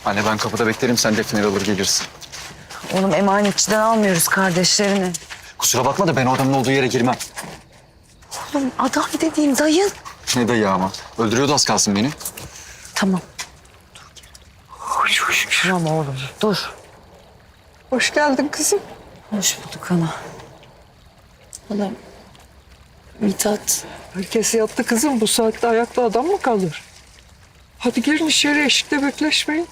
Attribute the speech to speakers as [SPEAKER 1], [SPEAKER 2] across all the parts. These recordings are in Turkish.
[SPEAKER 1] Anne ben kapıda beklerim, sen Defne'yi alır gelirsin.
[SPEAKER 2] Oğlum emanetçiden almıyoruz kardeşlerini.
[SPEAKER 1] Kusura bakma da ben o adamın olduğu yere girmem.
[SPEAKER 2] Oğlum adam dediğim dayın.
[SPEAKER 1] Ne dayı ama? Öldürüyordu az kalsın beni.
[SPEAKER 2] Tamam. Tamam oğlum dur.
[SPEAKER 3] Hoş geldin kızım.
[SPEAKER 2] Hoş bulduk ana. Ana Mithat.
[SPEAKER 3] Herkes yattı kızım. Bu saatte ayakta adam mı kalır? Hadi girin içeri, eşikte bekleşmeyin.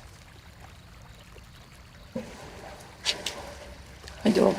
[SPEAKER 2] Hadi oğlum.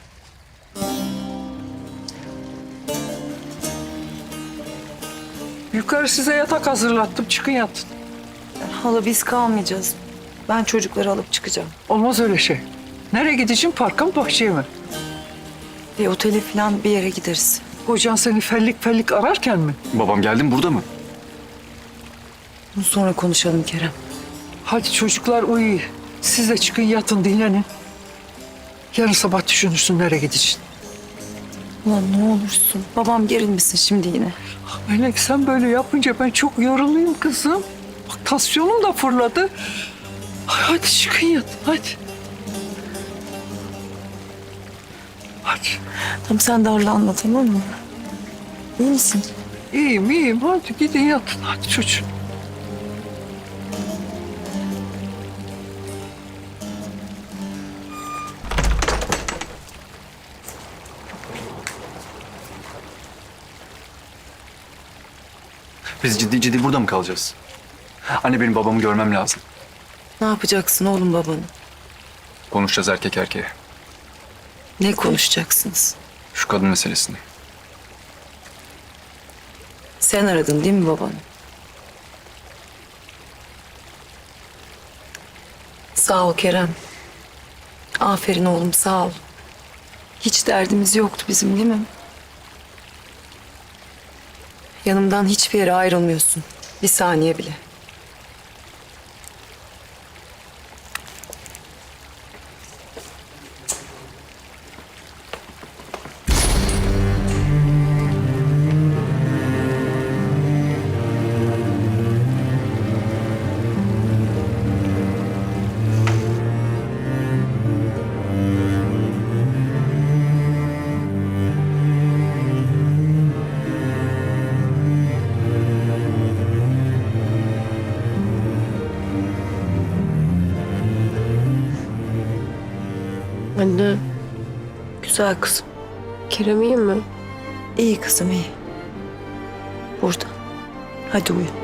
[SPEAKER 3] Yukarı size yatak hazırlattım. Çıkın yatın.
[SPEAKER 2] Hala biz kalmayacağız. Ben çocukları alıp çıkacağım.
[SPEAKER 3] Olmaz öyle şey. Nereye gideceğim? Parka mı, bahçeye mi?
[SPEAKER 2] Bir otele falan bir yere gideriz.
[SPEAKER 3] Kocan seni fellik fellik ararken mi?
[SPEAKER 1] Babam geldi mi, burada mı?
[SPEAKER 2] Bunu sonra konuşalım Kerem.
[SPEAKER 3] Hadi çocuklar uyuyun. Siz de çıkın yatın, dinlenin. Yarın sabah düşünürsün nereye gideceksin.
[SPEAKER 2] Ulan ne olursun. Babam gerilmesin şimdi yine.
[SPEAKER 3] Melek sen böyle yapınca ben çok yoruluyum kızım. Bak tansiyonum da fırladı. Hadi çıkın yatın hadi. Hadi.
[SPEAKER 2] Tamam sen darlanma tamam mı? İyi misin?
[SPEAKER 3] İyiyim iyiyim hadi gidin yatın hadi çocuğum.
[SPEAKER 1] Biz ciddi ciddi burada mı kalacağız? Anne benim babamı görmem lazım.
[SPEAKER 2] Ne yapacaksın oğlum babanı?
[SPEAKER 1] Konuşacağız erkek erkeğe.
[SPEAKER 2] Ne konuşacaksınız?
[SPEAKER 1] Şu kadın meselesini.
[SPEAKER 2] Sen aradın değil mi babanı? Sağ ol Kerem. Aferin oğlum sağ ol. Hiç derdimiz yoktu bizim değil mi? Yanımdan hiçbir yere ayrılmıyorsun. Bir saniye bile.
[SPEAKER 4] Anne,
[SPEAKER 2] Güzel kızım.
[SPEAKER 4] Kerem iyi mi?
[SPEAKER 2] İyi kızım iyi. Burada. Hadi uyu.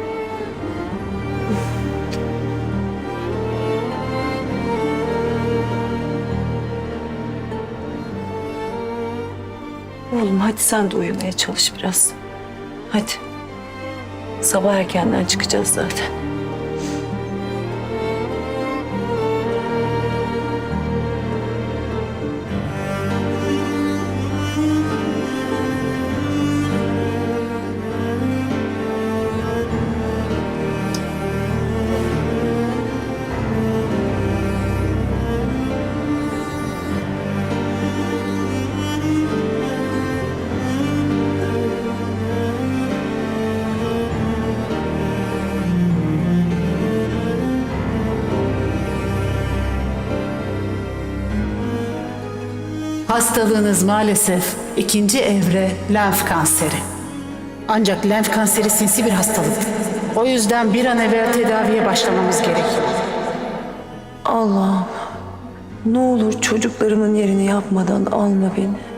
[SPEAKER 2] Oğlum hadi sen de uyumaya çalış biraz. Hadi. Sabah erkenden çıkacağız zaten.
[SPEAKER 5] Hastalığınız maalesef ikinci evre lenf kanseri. Ancak lenf kanseri sinsi bir hastalık. O yüzden bir an evvel tedaviye başlamamız gerekiyor.
[SPEAKER 2] Allah'ım ne olur çocuklarımın yerini yapmadan alma beni.